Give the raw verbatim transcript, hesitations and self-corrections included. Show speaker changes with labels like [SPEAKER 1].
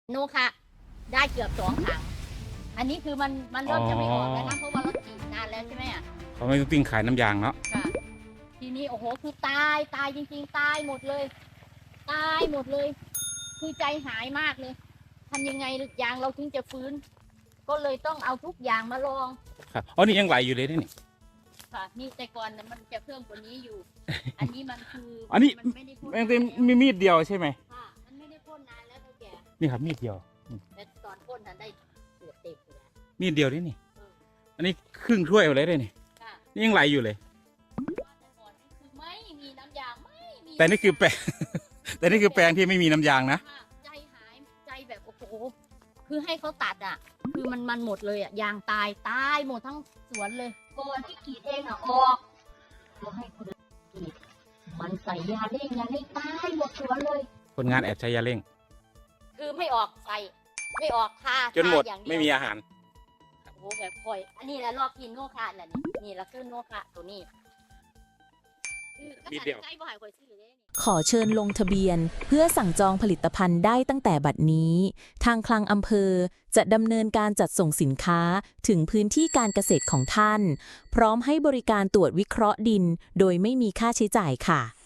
[SPEAKER 1] โนคะได้เกือบสองถังอันนี้คือมันมันเริ่มจะไม่ออกแล้วนะเพราะว่าเราฉีดนานแล้วใช่ไหมอ่ะ
[SPEAKER 2] เขาไม่ต้องติ้งขายน้ำยางเนาะ
[SPEAKER 1] ค่ะทีนี้โอ้โหคือตายตายจริงๆตายหมดเลยตายหมดเลย คือใจหายมากเลยทำยังไงยางเราถึงจะฟื้น ก็เลยต้องเอาทุกอย่างมาลอง
[SPEAKER 2] ครับอ๋อนี่ยังไหลอยู่เลยนี่
[SPEAKER 1] ค่ะนี่แต่ก่อนน่ะมันจะเพิ่มกว่านี้อยู่ อันนี้มันคือ
[SPEAKER 2] อันนี้
[SPEAKER 1] มันไม่ได้พ่น
[SPEAKER 2] แม่ง
[SPEAKER 1] นาน
[SPEAKER 2] เต็ม
[SPEAKER 1] แล้ว
[SPEAKER 2] มีมีดเดียวใช่ไหม
[SPEAKER 1] ค่ะมันไม่ได้พ่นนานแล้วเท่าแก่
[SPEAKER 2] นี่ครับมีดเดียว
[SPEAKER 1] แต่ตอนพ่นนั้นได้เกือบเต็มอยู่แล้ว
[SPEAKER 2] มีดเดียวนี่นี่
[SPEAKER 1] เออ
[SPEAKER 2] อันนี้ครึ่งถ้วยไปเลยได้นี่
[SPEAKER 1] ค่ะ
[SPEAKER 2] นี่ยังไหลอยู่เลย
[SPEAKER 1] แต่ก่อนนี่คือไม่มีน้ำยางไม่มี
[SPEAKER 2] แต่นี่คือแปลง แต่นี่คือแปลงที่ไม่มีน้ำยางนะ
[SPEAKER 1] ค่ะใจหายใจแบบโอ้โหคือให้เขาตัดอ่ะ คือมันมันหมดเลยอ่ะยางตายตายหมดทั้งสวนเลยก่อนที่กรีดเองอ่ะออกแล้วให้คนอื่นกรีดมันใส่ยาเร่งยาเร่งตายหมดสวนเลย
[SPEAKER 2] คนงานแอบใช้ยาเร่ง
[SPEAKER 1] คือไม่ออกใส่ไม่ออกทา
[SPEAKER 2] จนหมด
[SPEAKER 1] ทาอย่างเยว
[SPEAKER 2] ไม่มีอาหาร
[SPEAKER 1] โอ้โหแบบคอย อันนี้แหละรอบกินโนคะแหละนี่นี่ละคือโนคะตัวนี้คือ
[SPEAKER 2] นิดเดียว
[SPEAKER 1] ใกล้บ่หายคอยซื้อเลย
[SPEAKER 3] ขอเชิญลงทะเบียนเพื่อสั่งจองผลิตภัณฑ์ได้ตั้งแต่บัดนี้ ทางคลังอำเภอจะดำเนินการจัดส่งสินค้าถึงพื้นที่การเกษตรของท่าน พร้อมให้บริการตรวจวิเคราะห์ดินโดยไม่มีค่าใช้จ่ายค่ะ